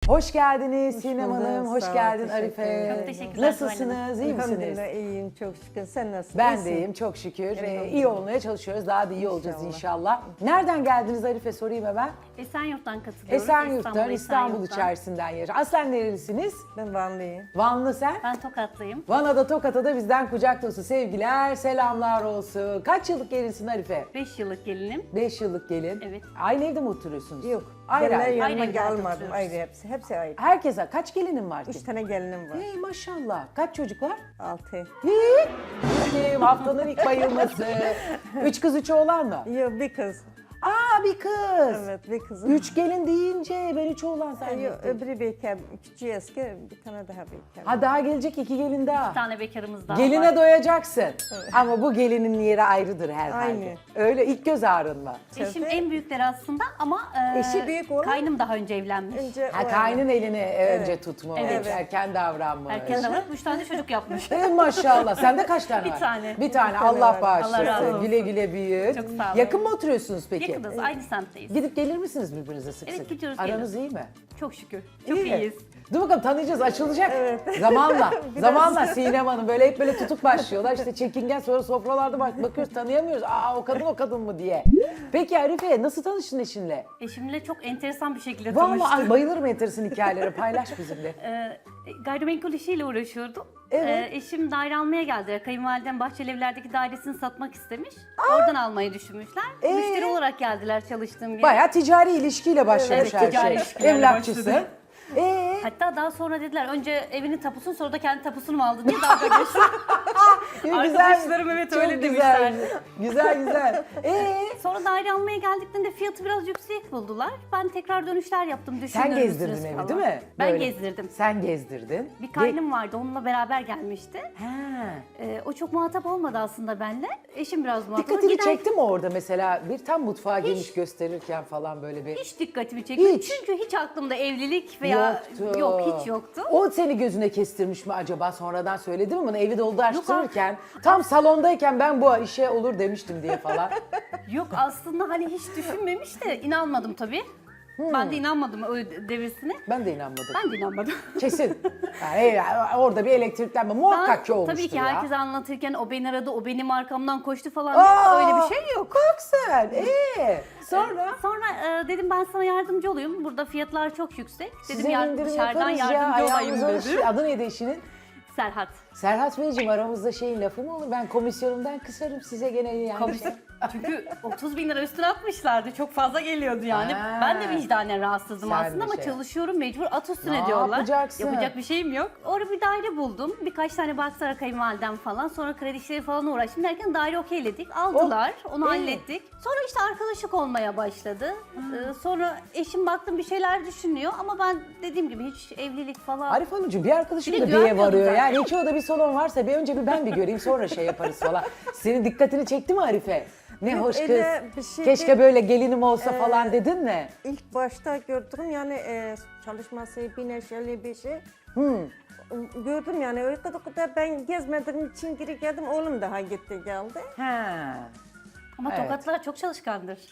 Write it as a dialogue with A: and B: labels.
A: Hoş geldiniz Sinem
B: bulduk,
A: Hanım, hoş
B: sağ ol,
A: geldin
B: teşekkür
A: Arife.
B: ederim.
C: Çok teşekkürler
A: Nasılsınız, iyi misiniz?
B: Elhamdülillah iyiyim çok şükür. Sen nasılsın?
A: Ben
B: İyisin.
A: de iyiyim çok şükür.
B: Elhamdülillah.
A: İyi olmaya çalışıyoruz, daha da iyi olacağız inşallah. Nereden geldiniz Arife, sorayım hemen.
C: Esenyurt'tan katılıyoruz.
A: Esenyurt'tan, İstanbul
C: Esenyurt'tan.
A: içerisinden yaşıyor. Aslen nerelisiniz?
B: Ben Vanlıyım.
A: Vanlı sen?
C: Ben Tokatlıyım.
A: Vana'da Tokat'a da bizden kucak dolusu sevgiler, selamlar olsun. Kaç yıllık gelinsin Arife?
C: 5 yıllık gelinim.
A: 5 yıllık gelin.
C: Evet.
A: Aynı evde mi oturuyorsunuz?
B: Yok.
A: Ayrı
B: Gelinler
A: ayrı.
B: yanıma
C: Ayrı evlerde
B: almadım.
C: oturuyoruz.
B: Ayrı hepsi. Hepsi ayrı.
A: Herkese kaç gelinin var ki?
B: 3 tane gelinim var.
A: Hey maşallah. Kaç çocuk var?
B: 6.
A: Kim? Haftanın ilk bayılması. 3 kız 3 oğlan mı?
B: Yok bir kız.
A: Aa bir kız.
B: Evet bir kızım.
A: 3 gelin deyince ben 3 oğlan
B: Yok
A: zannettim.
B: öbürü bekar. Küçüğü eski. Bir tane daha bekar.
A: Ha daha gelecek 2 gelin daha.
C: Bir tane bekarımız daha
A: Geline
C: var.
A: doyacaksın. Ama bu gelinin yeri ayrıdır herhalde.
B: Aynı.
A: Öyle ilk göz ağrın mı?
C: Eşim en büyükleri aslında ama
B: Eşi büyük olan-
C: kaynım daha önce evlenmiş.
B: Önce
A: Ha
B: o
A: kaynın elini önce tutmuş,
C: Evet.
A: erken davranmış.
C: Erken davranıp 3 tane çocuk yapmış.
A: Maşallah. Sende kaç tane
C: Bir
A: var?
C: tane.
A: Bir tane.
B: tane
A: Allah
B: var.
A: bağışlasın.
C: Allah razı olsun.
A: Güle güle büyüt.
C: Çok sağ olun.
A: Yakın mı oturuyorsunuz peki?
C: Yakınız, aynı semtteyiz.
A: Gidip gelir misiniz birbirinize sık
C: Evet,
A: sık?
C: gidiyoruz,
A: Aranız iyi mi?
C: Çok şükür. Çok
A: İyi.
C: iyiyiz.
A: Dur bakalım tanıyacağız, açılacak. Zamanla. Zamanla Sinem Hanım böyle hep böyle tutuk başlıyorlar. İşte çekingen, sonra sofralarda bakıyoruz tanıyamıyoruz. Aa o kadın mı diye. Peki Arife nasıl tanıştın eşinle?
C: Eşimle çok enteresan bir şekilde
A: Vallahi
C: tanıştık.
A: ay, bayılırım enteresan hikayelere, paylaş bizimle.
C: Gayrimenkul işiyle uğraşıyordum.
A: Evet.
C: Eşim daire almaya geldi. Kayınvalidem Bahçeli Evler'deki dairesini satmak istemiş. Oradan almayı düşünmüşler. Müşteri olarak geldiler çalıştığım yere.
A: Bayağı ticari ilişkiyle başlamış
C: Evet,
A: her
C: ticari
A: şey.
C: ilişkilerle
A: Emlakçısı.
C: başladı.
A: Hatta
C: Daha sonra dediler önce evinin tapusunu sonra da kendi tapusunu mu aldın diye dalga geçti. Arkadaşlarım evet
A: Çok
C: öyle
A: güzel.
C: demişler.
A: Güzel.
C: Sonra daire almaya geldiklerinde fiyatı biraz yüksek buldular. Ben tekrar dönüşler yaptım.
A: Sen
C: Düşünür
A: gezdirdin
C: müsünüz
A: evi
C: falan.
A: değil mi?
C: Ben
A: Böyle.
C: gezdirdim.
A: Sen gezdirdin.
C: Bir kaynım vardı onunla beraber gelmişti.
A: Ha.
C: O çok muhatap olmadı aslında benimle. Eşim biraz muhatap.
A: Dikkatini
C: Gider-
A: çekti mi orada mesela bir tam mutfağa girmiş gösterirken falan böyle bir...
C: Hiç dikkatimi çekmedi.
A: Hiç.
C: Çünkü hiç aklımda evlilik veya yok hiç yoktu.
A: O seni gözüne kestirmiş mi acaba, sonradan söyledi mi bana, evi doldururken tam salondayken ben bu işe olur demiştim diye falan.
C: Yok aslında hani hiç düşünmemiş de inanmadım tabii. Ben de inanmadım o devirsine.
A: Ben de inanmadım.
C: Ben de inanmadım.
A: Kesin. Yani orada bir elektriklenme muhakkak ki olmuştur
C: tabii ki
A: ya.
C: herkese anlatırken o beni aradı, o benim arkamdan koştu falan
A: Aa,
C: diye öyle bir şey yok.
A: Bak sen. Sonra?
C: Sonra dedim ben sana yardımcı olayım. Burada fiyatlar çok yüksek. Dedim
A: Size indirim
C: dışarıdan
A: yaparız ya.
C: yardımcı olayım
A: Ayağınıza
C: dedim.
A: Adı neydi eşinin?
C: Serhat.
A: Serhat Beyciğim, aramızda şeyin lafı mı olur? Ben komisyonumdan kısarım size gene yani.
C: Komisyon. Çünkü 30 bin lira üstüne atmışlardı. Çok fazla geliyordu yani.
A: Ha.
C: Ben de vicdanen rahatsızdım
A: Sen
C: aslında
A: de
C: ama
A: şey.
C: çalışıyorum mecbur at üstüne
A: Ne
C: diyorlar.
A: yapacaksın?
C: Yapacak bir şeyim yok. Orada bir daire buldum. Birkaç tane baksana kayınvalidem falan. Sonra kredi işleri falan uğraştım derken daire okeyledik. Aldılar. Onu hallettik. Sonra işte arkadaşlık olmaya başladı. Sonra eşim baktım bir şeyler düşünüyor ama ben dediğim gibi hiç evlilik falan.
A: Arif Hanımcığım bir arkadaşım
C: Bir
A: da
C: de
A: diye
C: güvenmiyordum
A: varıyor.
C: zaten.
A: Yani hiç orada bir salon varsa bir önce ben bir göreyim sonra şey yaparız falan. Senin dikkatini çekti mi Arife? Ne
B: Yok,
A: hoş kız.
B: öyle bir şey
A: Keşke
B: değil.
A: böyle gelinim olsa falan dedin mi?
B: İlk başta gördüm yani çalışması bir neşeli bir şey. Gördüm yani öyle kadar ben gezmediğim için geri geldim. Oğlum daha gitti geldi.
A: Ha.
C: Ama
A: Evet.
C: Tokatlılar çok çalışkandır.